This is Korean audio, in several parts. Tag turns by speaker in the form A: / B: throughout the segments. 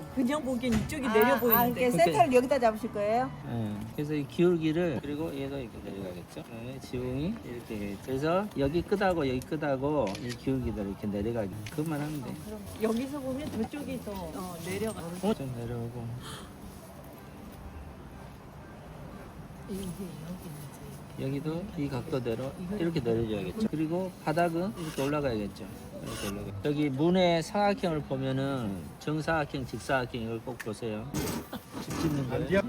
A: 그냥 보기엔 이쪽이 내려 보이는데.
B: 이렇게 센터를 여기다 잡으실 거예요?
C: 네. 그래서 이 기울기를 그리고 얘가 이렇게 내려가겠죠. 네, 지붕이 이렇게 그래서 여기 끝하고 여기 끝하고 이 기울기를 이렇게 내려가기 그만 하면 돼.
A: 그럼 여기서 보면 저쪽이 더 내려가.
C: 좀 내려오고 여기도 이 각도대로 이렇게 내려줘야겠죠. 그리고 바닥은 이렇게 올라가야겠죠. 이렇게 올라가. 여기 문의 사각형을 보면은 정사각형, 직사각형 이걸 꼭 보세요. 집 짓는 거예요.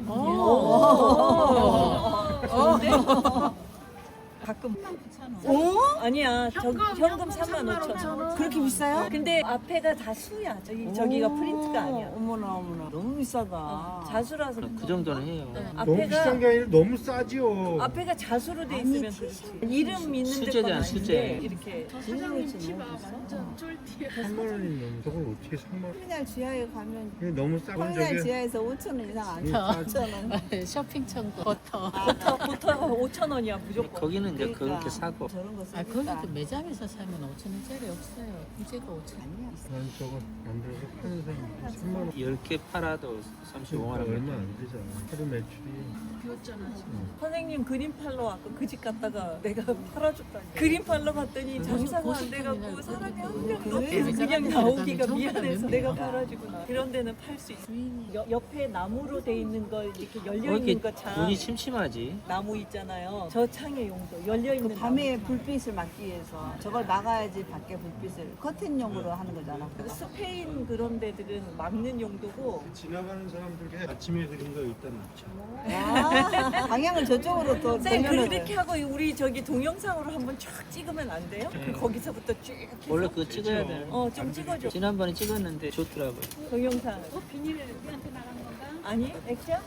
A: 가끔 아니야. 현금 35,000원.
B: 그렇게 비싸요?
A: 근데 앞에가 다 수야. 저기가 프린트가 아니야.
B: 어머나 어머나 너무 비싸다.
A: 자수라서.
C: 그 정도는 해요.
D: 너무 비싼
A: 앞에가
D: 게 아니라 너무 싸지요.
A: 앞에가 자수로 돼 있으면 그렇지. 이름 있는 데건
C: 수제잖아,
A: 아닌데
C: 수제.
A: 이렇게.
B: 사장님 집 너무 비싸.
D: 3만 원이면 저걸 어떻게 3만 원?
B: 터미널 지하에 가면
D: 이게 너무 싸고
B: 터미널
D: 저게
B: 지하에서 5,000원 이상 안 돼.
D: 더.
B: 5,000원.
E: 쇼핑 천국 버터.
A: 보터가 5,000원이야 무조건.
C: 거기는 이제
B: 그러니까.
C: 그렇게 사고
B: 저런 거
E: 아,
B: 쓰니까.
E: 거기도 매장에서 사면 5,000원짜리 없어요. 부재가 5,000원.
B: 아니야.
D: 난 저거 만들어서 파는 사람이 3만 원.
C: 10개 팔아도 35만 원.
D: 얼마 안 되잖아. 하루 매출이.
A: 선생님 그림 팔러 아까 그 집 갔다가 내가 팔아줬다니. 그림 팔러 갔더니 장사가 안 돼갖고 사람이 한 명도 없어서 그냥 나오기가 미안해서 내가 팔아주구나. 그런 데는 팔 수 있어. 옆에 나무로 돼 있는 걸 이렇게 열려
C: 이렇게
A: 있는 거 창.
C: 눈이 침침하지.
A: 나무 있잖아요. 저 창의 용도 열려 있는
B: 밤에 불빛을 막기 위해서 저걸 막아야지 밖에 불빛을 커튼용으로 하는 거잖아.
A: 스페인 그런 데들은 막는 용도고.
D: 지나가는 사람들께 아침에 그린 거 일단 놨죠.
B: 아, 방향을 저쪽으로 더
A: 선생님
B: 돌려놓은
A: 그렇게 하고 우리 저기 동영상으로 한번 쫙 찍으면 안 돼요?
C: 네.
A: 거기서부터 쭉 해서.
C: 원래 그거 찍어야 돼.
A: 좀 찍어줘.
C: 지난번에 찍었는데 좋더라고요.
A: 동영상. 비닐에 우리한테 나간 건가? 아니, 액션?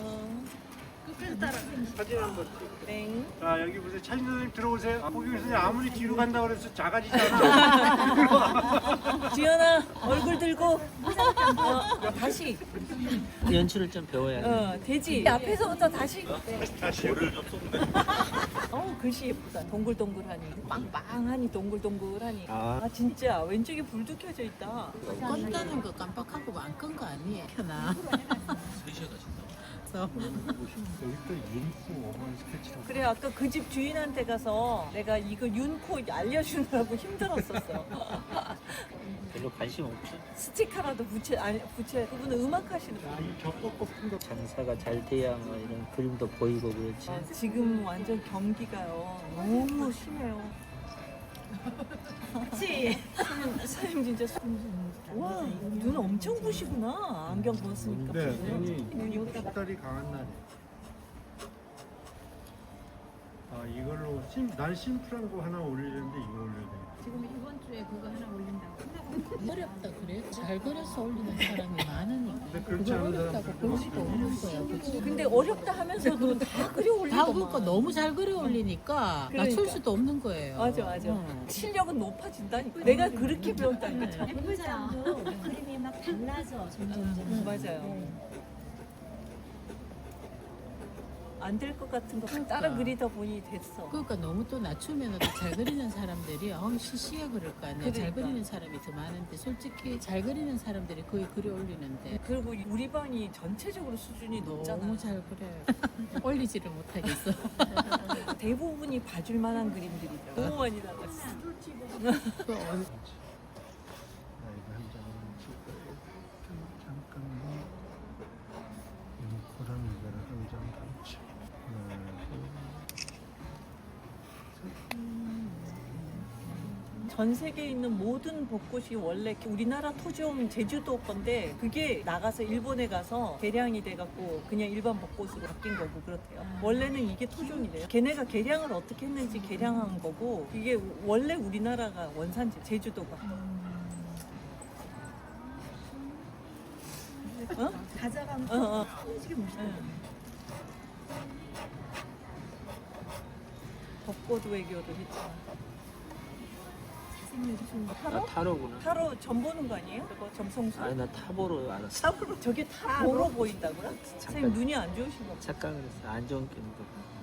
D: 사진 한번 찍어.
A: 땡.
D: 자 여기 보세요. 차진 선생님 들어오세요. 아, 보기 선생님 아무리 뒤로 간다 그래서 작아지잖아.
A: 지연아, 얼굴 들고. 다시.
C: 연출을 좀 배워야 돼.
A: 되지. 앞에서부터 다시.
D: 다시 열을 좀 쏟네.
A: 글씨 예쁘다. 동글동글하니. 빵빵하니, 동글동글하니.
C: 아.
A: 진짜. 왼쪽에 불도 켜져 있다.
E: 껐다는 거 깜빡하고 안 끈 거 아니에요? 켜나.
D: 여기 또 윤코 어머니 스케치라고.
A: 그래, 아까 그 집 주인한테 가서 내가 이거 윤코 알려주느라고 힘들었었어.
C: 별로 관심 없죠.
A: 스티커라도 붙여. 그분은 음악 하시는 분.
D: 이 벽도 꺾은 거.
C: 장사가 잘 돼야 뭐 이런 그림도 보이고 그렇지.
A: 지금 완전 경기가요. 너무 심해요. 그치? 사장님 진짜 와, 눈 엄청 부시구나. 안경 벗으니까.
D: 네, 눈이 숫달이 강한 날이에요. 아 이걸로 난 심플한 거 하나 올리려는데 이거 올려야 돼.
F: 지금 이번 주에 그거 하나 올린다고.
E: 어렵다 그래? 잘 그려서 올리는 사람이 많으니까.
D: 근데 그렇지
E: 그거
D: 않은
E: 어렵다고
D: 사람들
E: 볼 수가 없는 거야. 그치?
A: 근데 어렵다 하면서도 다 그려
E: 다
A: 올리고.
E: 그러니까 너무 잘 그려 올리니까
A: 그러니까.
E: 맞출 수도 없는 거예요.
A: 맞아. 실력은 높아진다니까. 내가 그렇게 배웠다니까.
F: 해보자도 그림이 막 달라져 점점.
A: 맞아요. 안 될 것 같은 거 따라 그리다 보니 됐어.
E: 그러니까 너무 또 낮추면 또 잘 그리는 사람들이 시시해 그럴 거 아니야. 잘
A: 그러니까.
E: 그리는 사람이 더 많은데 솔직히 잘 그리는 사람들이 거의 그려 올리는데
A: 그리고 우리 반이 전체적으로 수준이 높잖아.
E: 너무 잘 그려요. 올리지를 못하겠어.
A: 대부분이 봐줄 만한 그림들이죠. 너무 많이 나갔어.
E: 그
D: 나 이거 한 장만 찍어요. 잠깐만. 윤코랑 이거를 한 장 같이.
A: 전 세계에 있는 모든 벚꽃이 원래 우리나라 토종 제주도 건데 그게 나가서 일본에 가서 개량이 돼갖고 그냥 일반 벚꽃으로 바뀐 거고 그렇대요. 원래는 이게 토종이래요. 걔네가 개량을 어떻게 했는지 개량한 거고 이게 원래 우리나라가 원산지 제주도가. 어?
F: 가져가면
A: 솔직히 멋있다. 벚꽃 외교를 했잖아.
C: 나 타로구나.
A: 타로 점 보는 거 아니에요? 그거 점성술.
C: 아니 나 타보로 알았어.
A: 탑으로 저게 타로로 보인다고요? 선생님 눈이 안 좋으신 거
C: 착각을 했어. 안 좋은 게임도.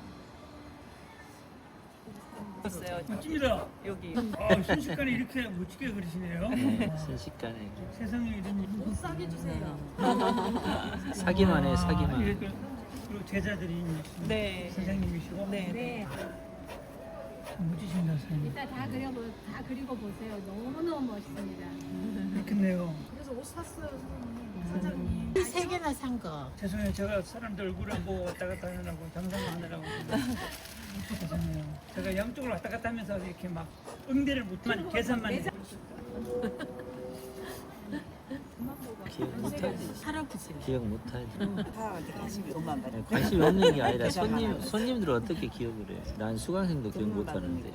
A: 있어요.
G: 멋집니다.
A: 여기.
G: 아, 순식간에 이렇게 멋지게 그리시네요.
C: 순식간에.
G: 세상에 이런 일.
F: 싸게 주세요.
C: 사기만 해 사기만.
G: 그리고 제자들이
A: 네.
G: 선생님이시고
A: 네.
F: 네.
G: 멋지십니다 선생님.
H: 이따 다 그리고 보세요. 너무너무 멋있습니다.
G: 그렇겠네요.
H: 그래서 옷 샀어요, 사장님.
E: 세 개나 산 거.
G: 죄송해요. 제가 사람들 얼굴 안 보고 왔다 갔다 하느라고 장사하느라고 죄송해요. 제가 양쪽으로 왔다 갔다 하면서 이렇게 막 응대를 못만 계산만 해요.
C: 기억 못하지.
E: 할아버지.
C: 기억 못하지.
B: 사람한테 관심이 돈만 받아.
C: 관심이 없는 게 아니라 손님들 어떻게 기억을 해? 난 수강생도 기억 못하는데.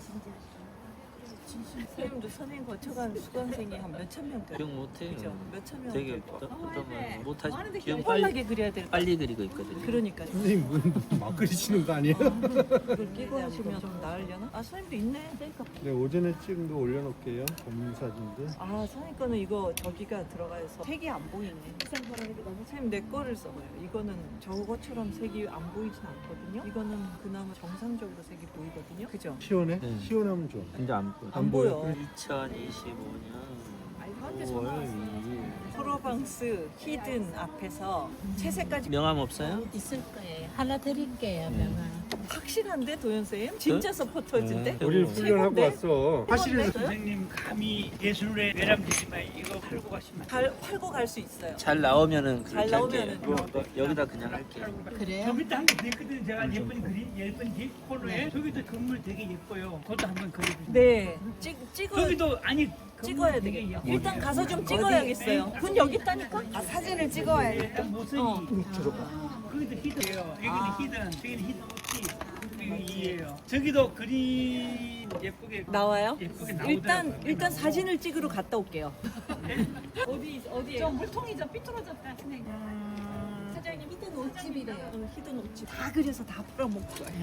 A: 선생님도 선행 거쳐간 수강생이 한 몇천 명 돼요.
C: 기억 못해요.
A: 그죠? 몇천 명.
C: 되게
A: 돼요.
C: 어떤 분 못하지. 기억
A: 뻔하게 그려야 될 거.
C: 빨리 그리고 있거든요.
A: 그러니까요.
D: 선생님 막 그리시는 거 아니에요?
A: 이걸 끼고 하시면 좀 나으려나? 아 선생님도 있네.
D: 네, 오전에 찍은 거 올려놓을게요. 검문 사진들.
A: 아 선생님 거는 이거 저기가 들어가서 색이 안 보이네. 선생님 내 거를 써봐요. 이거는 저거처럼 색이 안 보이진 않거든요. 이거는 그나마 정상적으로 색이 보이거든요. 그죠?
D: 시원해?
C: 네.
D: 시원하면 좋아.
C: 근데 안 보여.
A: 안 보여.
C: 2025년 5월 2일.
A: 프로방스 히든 앞에서 채색까지
C: 명함 없어요?
E: 있을 거예요. 하나 드릴게요.
C: 네.
E: 명함.
A: 확실한데 도현 쌤? 진짜 서포터즈인데?
C: 네.
D: 우리 훈련하고
A: 최고인데?
D: 왔어. 화실에서
G: 선생님 감히 예술의 외람되지만 이거 팔고 가시면
A: 팔고 갈 수 있어요.
C: 잘 나오면은
A: 잘
C: 그렇게
A: 나오면은.
C: 할게요. 여기다 그냥 할게요.
E: 그래요?
G: 저기도 한개 됐거든요. 제가 예쁜 그림, 예쁜 뒷코너에 저기도 건물 되게 예뻐요. 그것도 한번 그려주세요.
A: 네, 찍어야
G: 저기도 아니
A: 찍어야
G: 건물 되게
A: 되겠다.
G: 예뻐요.
A: 일단 가서 좀 찍어야겠어요. 군 여기 있다니까?
B: 아, 사진을 찍어야 돼.
G: 일단 모습이 거기도 히든이에요. 여기는 히든, 저기는 히든 오치 이에요. 저기도 그림 예쁘게
A: 나와요?
G: 예쁘게 나오더라고요.
A: 일단 사진을 찍으러 갔다 올게요.
H: 어디에? 저 물통이 좀 삐뚤어졌다, 선생님. 사장님, 밑에 옷집이래요.
A: 히든 옷집 다 그려서 다 풀어먹고 가요.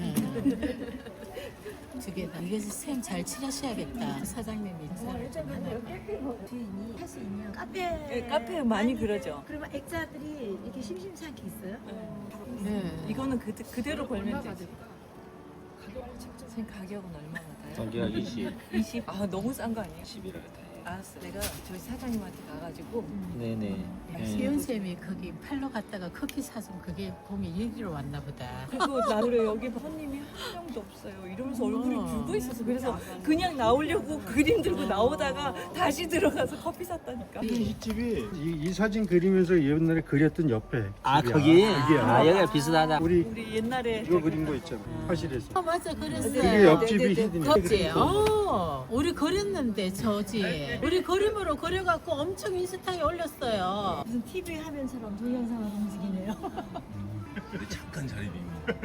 E: 두 개다. 이게 쌤 잘 칠하셔야겠다. 사장님이.
F: 주인이 할 수 있는 카페.
A: 네, 카페에 많이 그러죠.
F: 그러면 액자들이 이렇게 심심찮게 있어요?
E: 네.
A: 이거는 그대로 걸면 되지. 선생님 가격은 얼마나 돼요?
C: 가격 20.
A: 20? 아 너무 싼 거 아니에요?
C: 11이라고 다 해요.
A: 알았어. 내가 저희 사장님한테 가가지고
C: 네네.
E: 세윤 쌤이 거기 팔로 갔다가 커피 사준 그게 봄이 여기로 왔나 보다.
A: 그리고 나를 여기 손님이 한 명도 없어요. 이러면서 얼굴이 붉어 있었어. 그래서 그냥 나오려고 그림 들고 나오다가 다시 들어가서 커피 샀다니까.
D: 이 집이 이 사진 그리면서 옛날에 그렸던 옆에
C: 아
D: 집이야.
C: 거기?
D: 여기야.
C: 아 여기가 비슷하다.
A: 우리 옛날에
D: 이거 그린 거 있잖아. 화실에서.
E: 어 맞아 그랬어요.
D: 그게 옆집이
A: 네네네.
D: 히든이야.
E: 그지? 우리 그렸는데 저지. 우리 그림으로 그려갖고 엄청 인스타에 올렸어요.
F: 무슨 TV 화면처럼 동영상으로 움직이네요.
I: 잠깐 자리 비면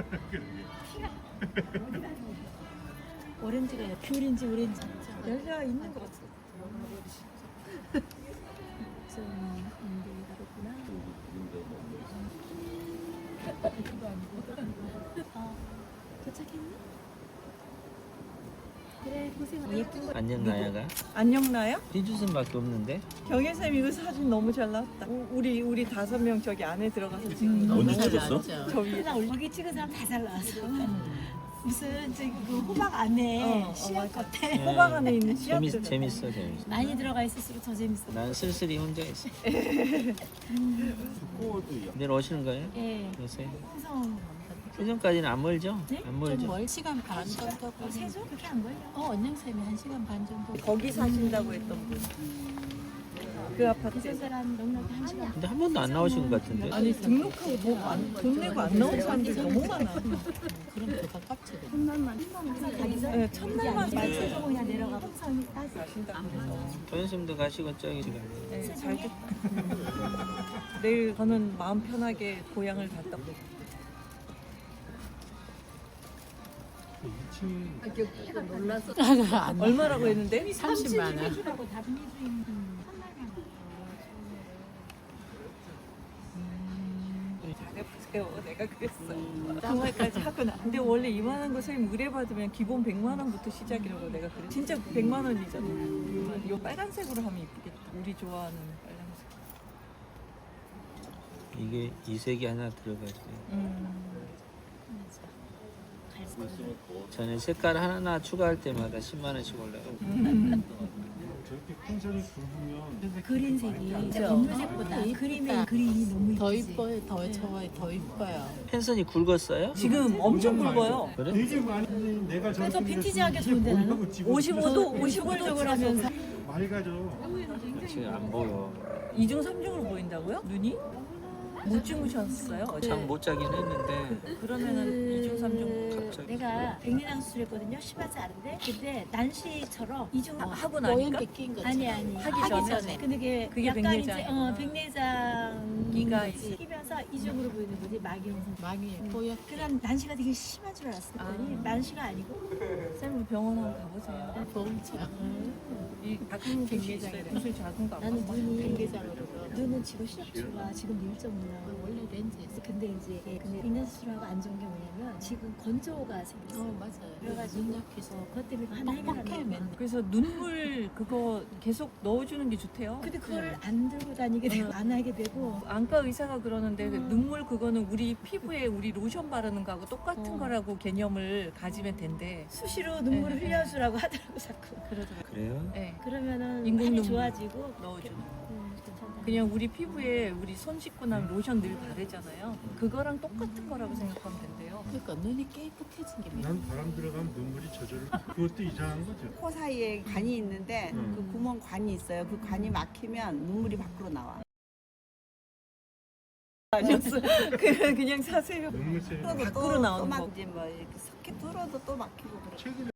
F: 오렌지가 귤인지 오렌지. 여기가 있는 것 같아요. 좀 그렇구나. 도착했니? 그래 고생. 예쁜 거.
C: 안녕 나야가
A: 안녕 나야?
C: 희주선밖에 없는데.
A: 경혜쌤 이거 사진 너무 잘 나왔다. 우리 5명 저기 안에 들어가서 찍은 거.
I: 언제
E: 잘
I: 찍었어?
E: 나왔죠.
A: 저 위에.
F: 여기 찍은 사람 다 잘 나왔어. 무슨 저기 그 호박 안에 씨앗
A: 맞아.
F: 같아.
A: 호박 안에 있는 씨앗들.
C: 재밌어.
F: 많이 들어가 있을수록 더 재밌어.
C: 난 쓸쓸히 혼자 있어.
I: 코어도
C: 내일 오시는 거예요?
F: 예.
C: 요새
F: 항상
C: 세종까지는 안 멀죠? 안
E: 좀
C: 멀죠?
E: 멀 시간 반 정도.
F: 세죠? 그렇게 안 걸려.
E: 언영쌤이 1시간 반 정도.
A: 거기 사신다고 했던 분. 그 아파트.
F: 그 사람 넉넉히 1시간.
C: 근데 한 번도 안 나오신 것 같은데.
A: 아니 등록하고 돈 내고 안 나온 사람들 너무 많아.
E: 그럼 더 가깝지.
F: 가기서
A: 네, 첫날만
F: 세종 그냥 내려가. 항상 따지.
A: 가신다고 해서.
C: 도현쌤도 가시고 저기 지금.
A: 네, 잘 됐다. 내일 저는 마음 편하게 고향을 갔다 올게요. 얼마라고 했는데?
E: 30만 원.
A: 잘해보세요. 내가 그랬어. 그 말까지 하구나. 근데 원래 이만한 거 선생님 의뢰받으면 기본 100만 원부터 시작이라고 내가 그래. 진짜 100만 원이잖아. 이거 빨간색으로 하면 이쁘겠다. 우리 좋아하는 빨간색.
C: 이게 이색이 하나 들어가죠. 저는 색깔 하나 추가할 때마다 10만 원씩 올라가요.
D: 이렇게 펜션이 굵으면
F: 그린색이
A: 그죠?
F: 검은색보다
E: 아,
F: 그림의 그린이 너무
E: 더
F: 이쁘지.
E: 이뻐요. 더 좋아요. 더 이뻐요.
C: 펜션이 굵었어요?
A: 지금 엄청 굵어요.
C: 그래?
D: 되게 많이 내가
F: 그래서
D: 저렇게
F: 빈티지하게
D: 생겼으면
F: 좋은데 나는?
D: 뭐냐고 찍어.
A: 55도
F: 하면서
D: 맑아져.
C: 지금 안 보여.
A: 2중 3중으로 보인다고요? 눈이? 못 주무셨어요? 어제?
C: 잠 못 자긴 했는데
A: 그러면은 2중 3중
C: 갑자기.
F: 내가 백내장 수술했거든요. 심하지 않은데 근데 난시처럼 이중
A: 하고
E: 모양
A: 나니까?
E: 낀 거죠.
F: 아니
A: 하기 전에?
F: 근데
A: 그게
F: 약간
A: 백내장.
F: 이제 백내장
A: 기가
F: 끼면서 이중으로 보이는 거지 막이 형성.
E: 망이 보여.
F: 그런 난시가 되게 심한 줄 알았더니 난시가 아니고
A: 쌤 병원 한번 가보세요.
E: 보험차.
A: 이 작은 곳이 있어요. 무슨 작은 거
F: 나는 눈이
E: 백내장으로.
F: 눈은 지금 시력 좋아. 지금 1.5 나와.
E: 원래 렌즈 있어.
F: 근데 이제 백내장 수술하고 안 좋은 게 뭐냐면 지금 건조가 생겼어.
E: 맞아요.
F: 그래가지고
E: 눈 약해서
F: 그것 때문에 하나
E: 뻑뻑해
F: 해결하는
E: 맨날.
A: 그래서 눈물 그거 계속 넣어주는 게 좋대요.
F: 근데 그걸 안 들고 다니게 되고 안 하게 되고
A: 안과 의사가 그러는데 그 눈물 그거는 우리 피부에 우리 로션 바르는 거하고 똑같은 거라고 개념을 가지면 된대.
F: 수시로 눈물을
A: 네.
F: 흘려주라고 하더라고 자꾸.
A: 그러더라고요.
C: 그래요?
A: 네.
F: 그러면은
A: 인공
F: 많이
A: 눈물
F: 좋아지고
A: 넣어주는.
F: 괜찮다.
A: 그냥 우리 피부에 우리 손 씻고 나면 로션 늘 바르잖아요. 그거랑 똑같은 거라고 생각하면 된대요.
E: 그러니까 눈이 깨끗해진 게
D: 난 바람 들어가면 눈물이 저절로. 그것도 이상한 거죠.
B: 코 사이에 간이 있는데 그 구멍 관이 있어요. 그 관이 막히면 눈물이 밖으로 나와.
A: 아니었어요. 그냥 사세요.
D: 눈물 새.
A: 밖으로 나오는
B: 막
A: 거.
B: 이제 뭐 이렇게 석회 뚫어도 또 막히고 그래.
D: 최근에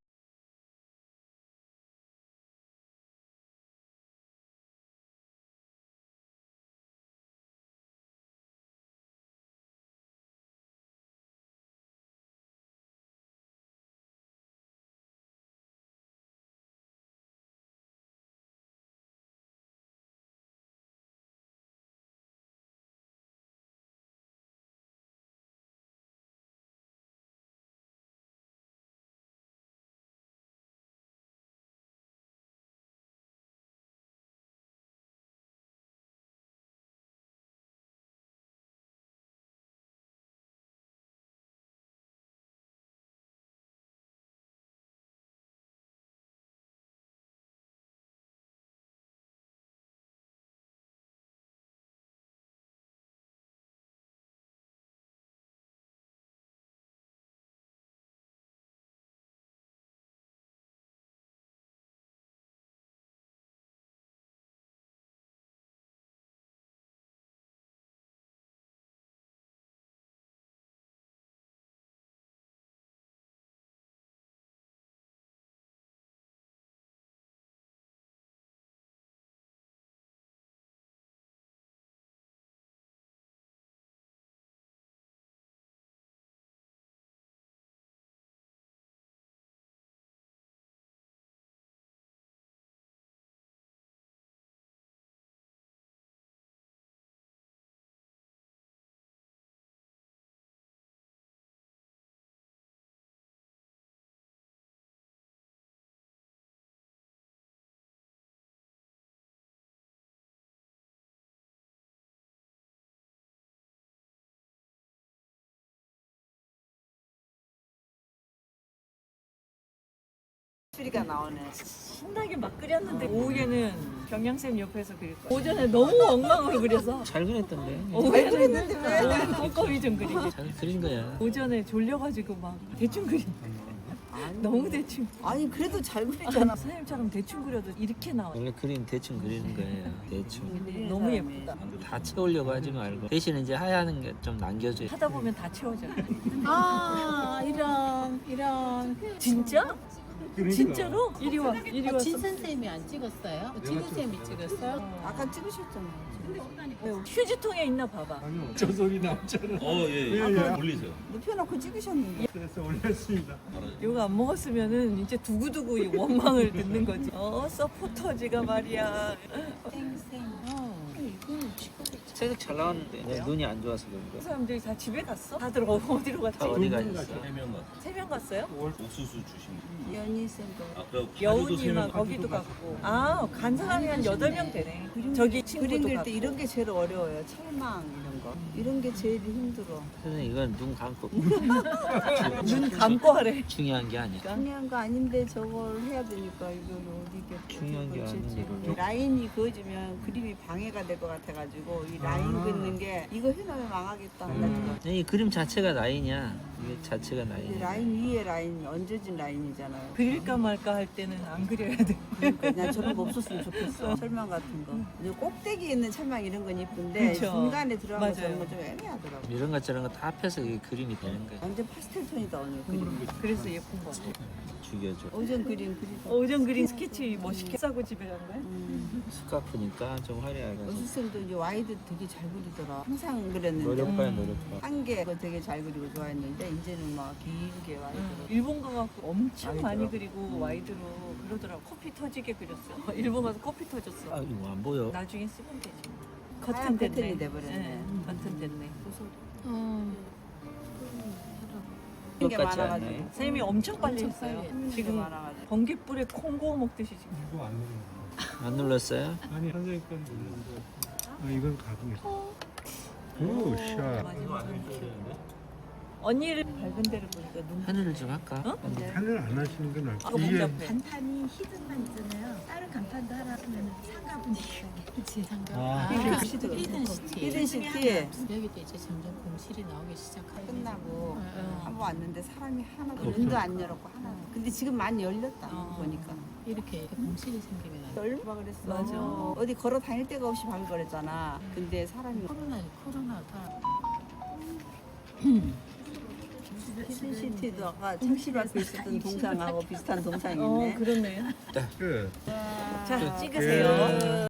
B: 소리가 나오네.
A: 신나게 막 그렸는데 오후에는 경양쌤 옆에서 그릴 거예요. 오전에 너무 엉망으로 그려서
C: 잘 그렸던데.
A: 오후에는 너무 꼼꼼히 좀 그리고
C: 잘 그린 거야.
A: 오전에 졸려가지고 막 대충 그린. 너무 대충.
B: 아니 그래도 잘 그리잖아.
A: 선생님처럼 대충 그려도 이렇게 나와요.
C: 원래 그림 대충 그리는 거예요. 대충.
A: 너무 예쁘다.
C: 다 채우려고 하지 말고 대신 이제 하얀 게 좀 남겨줘요.
A: 하다 보면 다 채워져요.
E: 아 이런.
A: 진짜?
D: 그러니까.
A: 진짜로? 이리 와, 이리 와.
E: 진 선생님이 안 찍었어요? 진 선생님이 찍었어요?
B: 아까 찍으셨잖아요.
A: 휴지통에 있나 봐봐.
D: 아니요. 저 소리 나오잖아.
I: 예.
D: 예.
I: 올리세요.
B: 눕혀놓고 찍으셨는데.
D: 그래서 올렸습니다.
A: 이거 안 먹었으면은 이제 두고두고 이 원망을 듣는 거지. 서포터즈가 말이야.
E: 생. 이거는 찍어도
C: 색잘 나왔는데 내가 눈이 안 좋아서 그런가.
A: 사람들이 다 집에 갔어? 다들 어디로 갔지?
C: 다 어디 가 있어?
I: 해명 같은
A: 3명 갔어요?
I: 옥수수 주신 분.
B: 연희쌤도
I: 아 그럼
A: 여운이만 거기도 갔고. 아, 간 사람이 한 8명 되네. 저기
B: 그림
A: 친구도
B: 그릴
A: 갔고.
B: 때 이런 게 제일 어려워요. 철망 이런 거. 이런 게 제일 힘들어.
C: 선생님 이건 눈 감고
A: 눈 감고 하래.
C: 중요한 게 아니야.
B: 중요한 거 아닌데 저걸 해야 되니까 이걸 어디게
C: 중요한 게 아니야.
B: 라인이 그어지면 그림이 방해가 될 것 같아가지고 이 라인 긋는 게 이거 해놓으면 망하겠다.
C: 이 그림 자체가 라인이야. 이게 자체가
B: 이
C: 라인이야.
B: 라인 위에 라인 얹어진 라인이잖아요.
A: 그릴까 말까 할 때는 안 그려야 돼.
B: 그러니까 난 저런 거 없었으면 좋겠어. 철망 같은 거. 근데 꼭대기에 있는 철망 이런 건 이쁜데
A: 그쵸.
B: 중간에 들어간 거
A: 맞아요.
B: 저런 거 좀 애매하더라고.
C: 이런 것 저런 거 다 합해서 이게 그림이 되는 거야.
B: 완전 파스텔 톤이다 오늘 그림.
A: 그래서 예쁜 거 같아.
C: 죽여줘.
B: 오전 그림 그리고.
A: 오전 그린 스케치 멋있게 싸고 집에 간 거야?
C: 스카프니까 좀 화려해가지고.
B: 연수쌤도 이제 와이드 되게 잘 그리더라. 항상 그랬는데.
C: 노력봐야 노력봐.
B: 한개 되게 잘 그리고 좋아했는데 이제는 막 길게 와이드로.
A: 일본 가갖고 엄청
B: 와이드로.
A: 많이 그리고 와이드로 그러더라고. 코피 터지게 그렸어. 일본 가서 코피 터졌어.
C: 아 이거 안 보여.
A: 나중에 쓰면 되지.
B: 하얀
A: 커튼 됐네.
B: 커튼이 돼버렸네.
A: 네, 커튼 됐네.
B: 게
C: 똑같지
B: 많아가지고.
C: 않나요?
A: 쌤이 엄청 빨리
E: 엄청
A: 했어요.
E: 빨리
B: 지금
A: 지금
B: 많아가지고.
A: 번개불에 콩고 먹듯이 지금.
D: 이거 안 넣는
C: 안 눌렀어요?
D: 거. 아니 선생님 건 넣는데. 아 이건 가공했어. 오 샤.
A: 언니를 밝은 데를 보니까 눈.
C: 하늘을 좀 할까?
A: 어?
D: 하늘 안 하시는 건
A: 아,
D: 알고. 이게
A: 복잡해.
F: 간판이 히든만 있잖아요. 다른 간판도 하나 하면 상가 분위기가
E: 그치 상가.
C: 아,
B: 히든시티.
E: 히든시티.
B: 히든시티
E: 여기도 이제 점점 공실이 나오기 시작하고.
B: 끝나고
E: 어.
B: 한 번 왔는데 사람이 하나도
C: 없어.
B: 문도 안 열었고 하나도. 근데 지금 많이 열렸다 보니까.
E: 이렇게 공실이 생기면 안 돼.
B: 얼마 그랬어.
A: 맞아.
B: 어디 걸어 다닐 데가 없이 바글거렸잖아. 근데 사람이
E: 코로나가
B: 히든시티도 아까 창실 앞에 있었던 동상하고 비슷한 동상이
A: 어,
B: 있네.
A: 그렇네요.
D: 끝.
A: 자, 찍으세요.